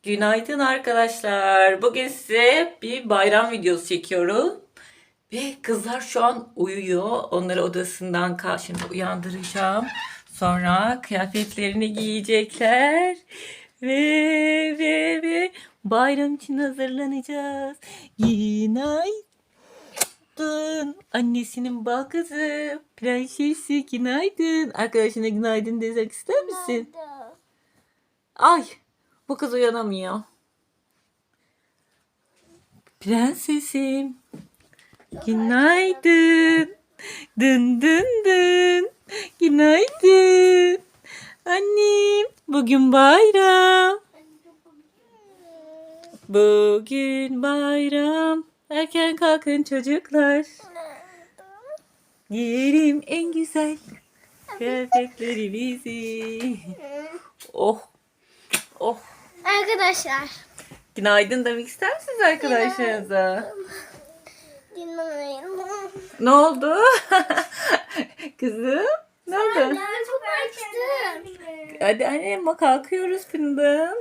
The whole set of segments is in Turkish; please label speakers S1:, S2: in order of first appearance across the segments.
S1: Günaydın arkadaşlar. Bugün size bir bayram videosu çekiyorum. Ve kızlar şu an uyuyor. Onları odasından şimdi uyandıracağım. Sonra kıyafetlerini giyecekler. Ve bayram için hazırlanacağız. Günaydın. Annesinin bal kızı. Prensesi günaydın. Arkadaşına günaydın desek ister misin? Ay. Bu kız uyanamıyor. Prensesim. Günaydın. Dın dın dın. Günaydın. Annem. Bugün bayram. Bugün bayram. Erken kalkın çocuklar. Giyelim en güzel kıyafetlerimizi. Oh. Oh.
S2: Arkadaşlar.
S1: Günaydın demek ister misiniz arkadaşlarınıza?
S2: Günaydın.
S1: Ne oldu? Kızım? Ne oldu?
S2: Ben çok açtım.
S1: Hadi annem bak kalkıyoruz fındığım.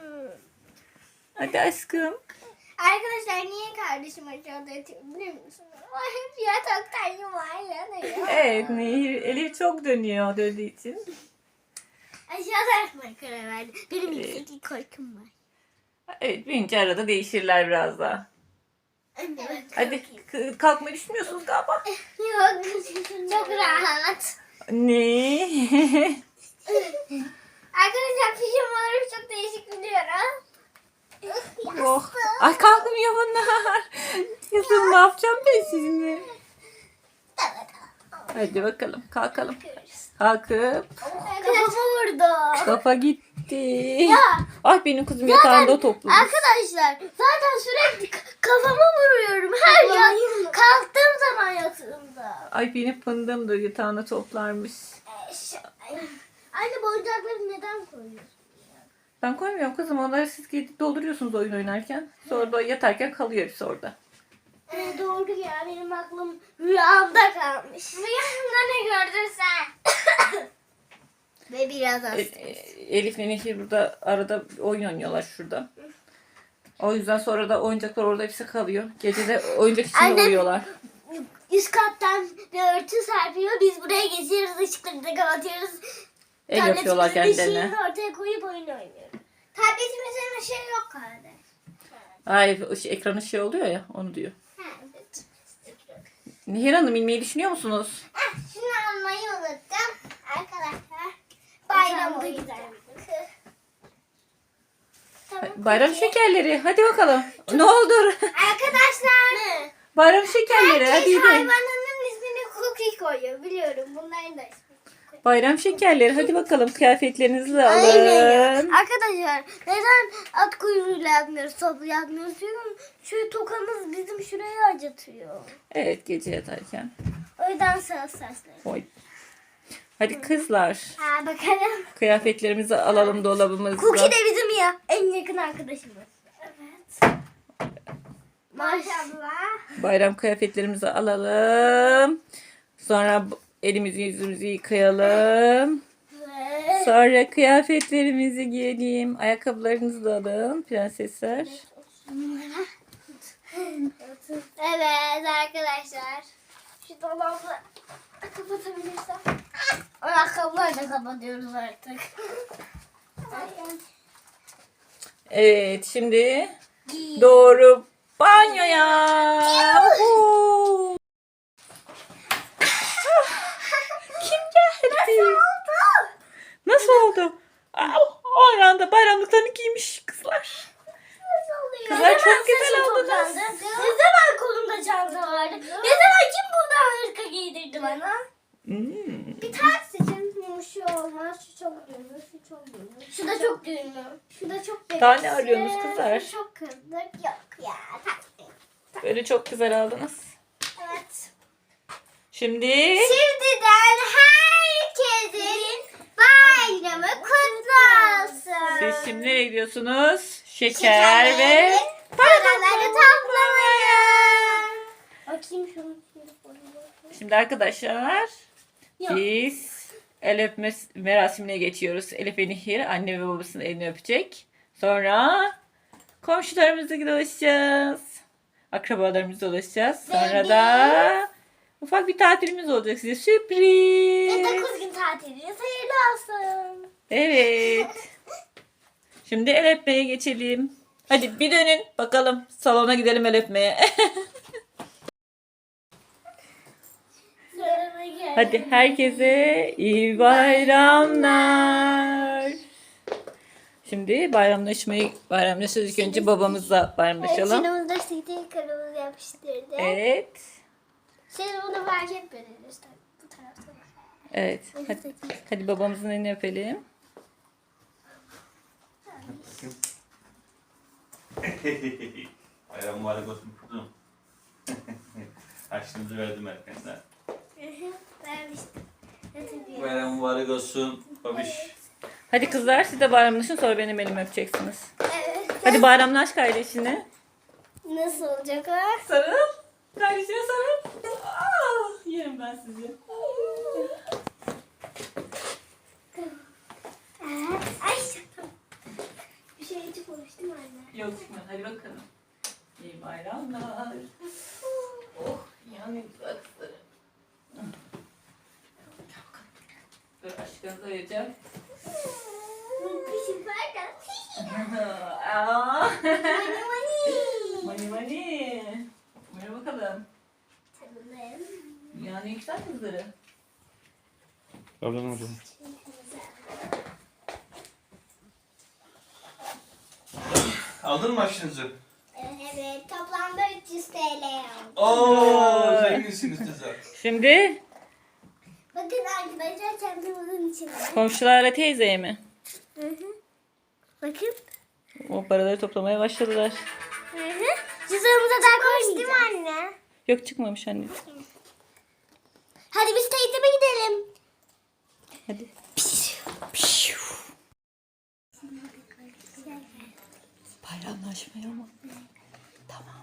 S1: Hadi aşkım.
S2: Arkadaşlar niye kardeşim aşağıda yatıyor biliyor musunuz? O hep yataktan yuvarlanıyor.
S1: Evet Nehir, Elif çok döndüğü için.
S2: Aşağıda yatmaya karar verdi. Benim yüksek korkum var.
S1: Evet birinci arada değişirler biraz daha.
S2: Evet.
S1: Hadi kalkmayı düşünmüyorsunuz galiba.
S2: Yok. Çok rahat.
S1: Ne?
S2: Arkadaşlar pijamaları çok değişik biliyorum.
S1: Oh. Ay kalkmıyor bunlar. Kızım ne yapacağım ben sizinle? Hadi bakalım kalkalım. Kalkıp
S2: Kafamı vurdu.
S1: kafa gitti.
S2: Ya.
S1: Ay benim kızım yatağında toplu.
S2: Arkadaşlar zaten sürekli kafama vuruyorum her kalktığım zaman yatağımda.
S1: Ay benim fındığım da yatağına toplarmış.
S2: Anne bu oyuncakları neden koyuyorsun?
S1: Ben koymuyorum kızım. Onları siz gidip dolduruyorsunuz oyun oynarken. Sonra da yatarken kalıyor hepsi orada.
S2: Doğru ya benim aklım rüyamda kalmış. Rüyamda ne gördün sen? Ve biraz hasta.
S1: Elif'le Nehir burada arada oyun oynuyorlar şurada. O yüzden sonra da oyuncaklar orada hepsi kalıyor. Gece de oyuncak içinde
S2: Annem-
S1: uyuyorlar.
S2: Üst kattan bir örtü serpiyor. Biz buraya geçiyoruz, ışıkları da kapatıyoruz.
S1: El yapıyorlar
S2: Tabletimizin
S1: kendilerine.
S2: ışığını ortaya koyup oyun oynuyoruz. Tabletimizin ışığı yok kardeş.
S1: Ay ekranı şey oluyor ya onu diyor.
S2: Ha, evet.
S1: Nehir Hanım inmeyi düşünüyor musunuz?
S2: Şunu almayı unuttum. Arkadaşlar bayram oyuncak. Tamam.
S1: Bayram şekerleri. Hadi bakalım. Ne olur.
S2: Arkadaşlar.
S1: Bayram şekerleri. Hadi
S2: Herkes
S1: gidelim.
S2: hayvanının ismini Cookie koyuyor. Biliyorum bunların da ismi.
S1: Bayram şekerleri. Hadi bakalım kıyafetlerinizi de
S2: Aynen.
S1: alın.
S2: Arkadaşlar neden at kuyruğuyla yapmıyoruz, toplu yapmıyoruz? Çünkü şu tokamız bizim şurayı acıtıyor.
S1: Evet gece yatarken.
S2: O yüzden sesleri.
S1: Oy. Hadi kızlar.
S2: Ha bakalım.
S1: Kıyafetlerimizi alalım dolabımızda.
S2: Cookie de bizim ya en yakın arkadaşımız. Evet. Maşallah.
S1: Bayram kıyafetlerimizi alalım. Sonra elimizi yüzümüzü yıkayalım.
S2: Ve
S1: Sonra kıyafetlerimizi giyelim. Ayakkabılarınızı da alın prensesler.
S2: evet arkadaşlar. Şu dolabı kapatabilirsem. Ayakkabıları da kapatıyoruz artık.
S1: Evet şimdi doğru banyoya. Uhu. Kim geldi? Nasıl oldu? O anda bayramlıklarını giymiş kızlar. Kızlar çok güzel oldunuz.
S2: Ne zaman kolumda çanta vardı? Ne zaman kim buradan hırka giydirdi bana? Bir tane seçin. Şu olmaz, şu çok düğünlü, şu çok düğünlü. Şu da çok düğünlü. Şu da çok düğünlü.
S1: Daha ne arıyorsunuz kızlar?
S2: Şu çok kızdık. Yok ya.
S1: Böyle çok güzel aldınız.
S2: Evet.
S1: Şimdi
S2: Şimdiden herkesin bayramı kutlu olsun.
S1: siz şimdi nereye gidiyorsunuz? Şeker ve
S2: paraları toplamaya. Bakayım şunu.
S1: şimdi arkadaşlar
S2: Yok.
S1: biz el öpme merasimine geçiyoruz. Elif ve Nehir anne ve babasının elini öpecek. Sonra komşularımızla dolaşacağız. Akrabalarımızla dolaşacağız. Sonra da ufak bir tatilimiz olacak size.
S2: Ve
S1: Sürpriz.
S2: 9 gün tatiliniz hayırlı olsun.
S1: Evet. Şimdi el öpmeye geçelim. Hadi bir dönün bakalım. Salona gidelim el öpmeye.
S2: Sırama gel.
S1: Hadi herkese iyi bayramlar. Şimdi bayramlaşırız. İlk önce babamızla bayramlaşalım.
S2: Şunumuzda CD karımız yapıştırdı.
S1: Evet.
S2: Siz bunu fark etmediniz tabii bu tarafta.
S1: Evet. Hadi babamızın elini öpelim.
S3: Bayram mübarek olsun kuzum. Harçlığımızı verdim erkenden.
S2: Vermiştim.
S3: Bayram mübarek olsun babiş.
S1: Hadi kızlar siz de bayramlaşın sonra benim elimi öpeceksiniz.
S2: Evet.
S1: Hadi bayramlaş kardeşine.
S2: Nasıl olacak o?
S1: Sarıl. Kardeşine sarıl. Yerim ben sizi.
S2: Ay bir şey hiç konuştum anne.
S1: Yok çıkmadı. Hadi bakalım. İyi bayramlar. Oh yani güzel kızlarım. Dur aşkınızı arayacağım.
S2: Bir şey var
S1: Aa.
S2: Mani mani.
S1: Mani mani. Buyur bakalım.
S2: Tanıdım.
S1: Dünyanın en güzel kızları.
S3: Ablan hocam. Aldın mı harçlığınızı?
S2: Evet toplamda 300 TL aldım.
S3: Ooo zenginsiniz kızlar.
S1: Şimdi
S2: Bakın arkadaşlar çantamızın içinde.
S1: komşularla teyzeye mi?
S2: Hı hı. Bakın.
S1: O paraları toplamaya başladılar.
S2: Hı hı. Cüzdanımıza daha koymayacağız. Değil mi anne?
S1: Yok çıkmamış anne.
S2: Hadi biz teyzeme gidelim.
S1: Hadi. Bayramlaşmaya mı? Tamam.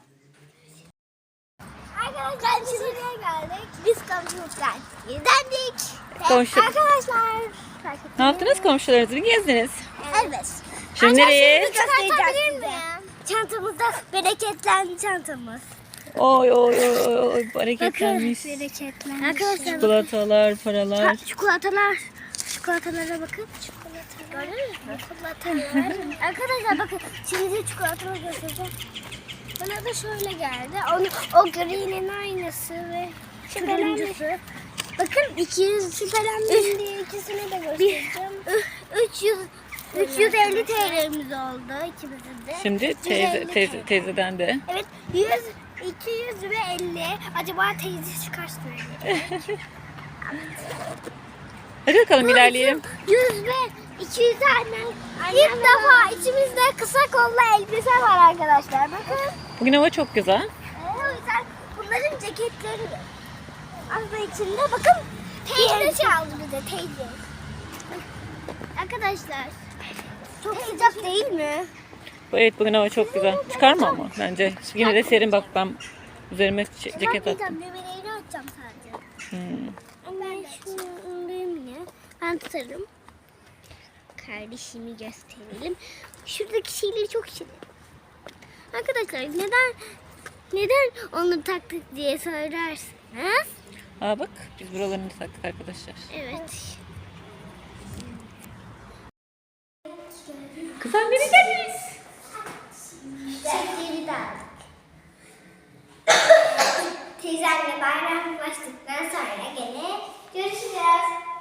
S2: Arkadaşlar biz buraya geldik. Biz komşuluktan gidendik.
S1: Komşu-
S2: Arkadaşlar.
S1: Ne yaptınız komşularınızı mı gezdiniz?
S2: Evet.
S1: Şimdi nereye?
S2: Göstereceğim size. Çantamızda bereketlendi çantamız.
S1: Oy oy oy oy hareketlenmiş.
S2: Bereketlendi. Arkadaşlar
S1: Çikolatalar, paralar.
S2: çikolatalar. Çikolatalara bakın. Çikolatalar. Gördün mü? Çikolatalar. Arkadaşlar bakın. Şimdi de çikolataları göstereceğim. Bana da şöyle geldi. O gri'nin aynısı ve turuncusu. Bakın 200 şüphelendim diye ikisini de göstereceğim. 350 TL'miz oldu ikimizin de.
S1: Şimdi
S2: 150 TL.
S1: teyzeden de.
S2: Evet 100, 200 ve 50. Acaba teyze kaç söyleyecek?
S1: Hadi bakalım ilerleyelim.
S2: 100 ve 200 annem. İlk defa içimizde kısa kollu elbise var arkadaşlar. Bakın.
S1: Bugün hava çok güzel.
S2: O yüzden bunların ceketleri de aslında içinde. Bakın teyze çaldı bize teyze. Arkadaşlar çok sıcak değil mi?
S1: Evet bugün hava çok güzel. Çıkarma ama bence. Yine de serin bak ben üzerime ceket attım.
S2: Bebeğini atacağım sadece.
S1: Hmm.
S2: Ben şunu ındayım yine. Ben tutarım. Kardeşimi gösterelim. Şuradaki şeyleri çok şirin. Arkadaşlar neden onu taktık diye söylersiniz.
S1: Aa bak biz buralarını taktık arkadaşlar.
S2: Evet.
S1: Kızlar nereye geldiniz?
S2: Çekleri de aldık. Teyzemle bayram başladıktan sonra gene görüşeceğiz.